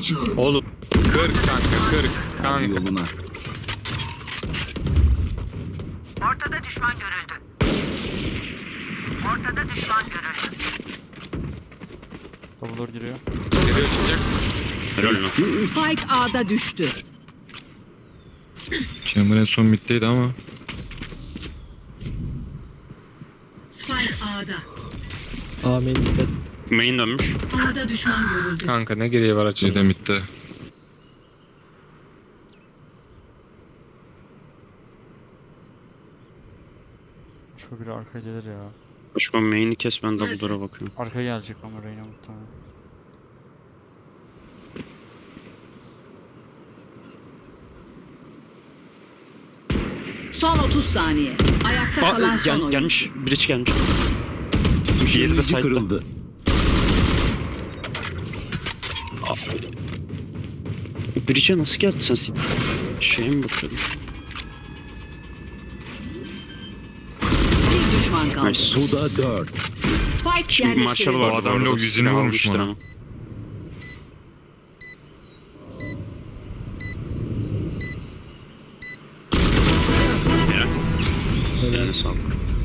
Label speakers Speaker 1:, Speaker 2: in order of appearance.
Speaker 1: Oğlum 40 kanka 40 kanka.
Speaker 2: Yoluna.
Speaker 3: Ortada düşman görüldü. Ortada düşman görüldü.
Speaker 4: Double giriyor.
Speaker 1: Geliyor çıkacak.
Speaker 5: Helal lan.
Speaker 3: Spike A'da düştü.
Speaker 6: Chamber en son middeydi ama.
Speaker 3: Spike A'da.
Speaker 7: Amin dikkat.
Speaker 5: Main dönmüş.
Speaker 3: A'da düşman görüldü.
Speaker 1: Kanka ne geriye var açıldı.
Speaker 6: Şeyde midde.
Speaker 4: Şu biri arkaya gelir ya.
Speaker 5: Başka main'i kes, ben double door'a bakıyorum.
Speaker 4: Arkaya gelecek ama Reyna muhtemelen.
Speaker 3: Son 30 saniye. Ayakta kalan son oyun.
Speaker 5: Gelmiş. Bridge gelmiş. Diğeri de
Speaker 2: Yedi
Speaker 5: side'da.
Speaker 2: kırıldı.
Speaker 5: Bridge'e nasıl geldin sen City? Şeye mi bakıyordun?
Speaker 3: Bir düşman kaldı.
Speaker 5: Nice.
Speaker 2: Bu da 4.
Speaker 3: Spike
Speaker 5: Şimdi Marshall
Speaker 3: yerleştirildi.
Speaker 5: var.
Speaker 6: O adam log yüzünü vurmuş bana.
Speaker 5: Eline sağlık.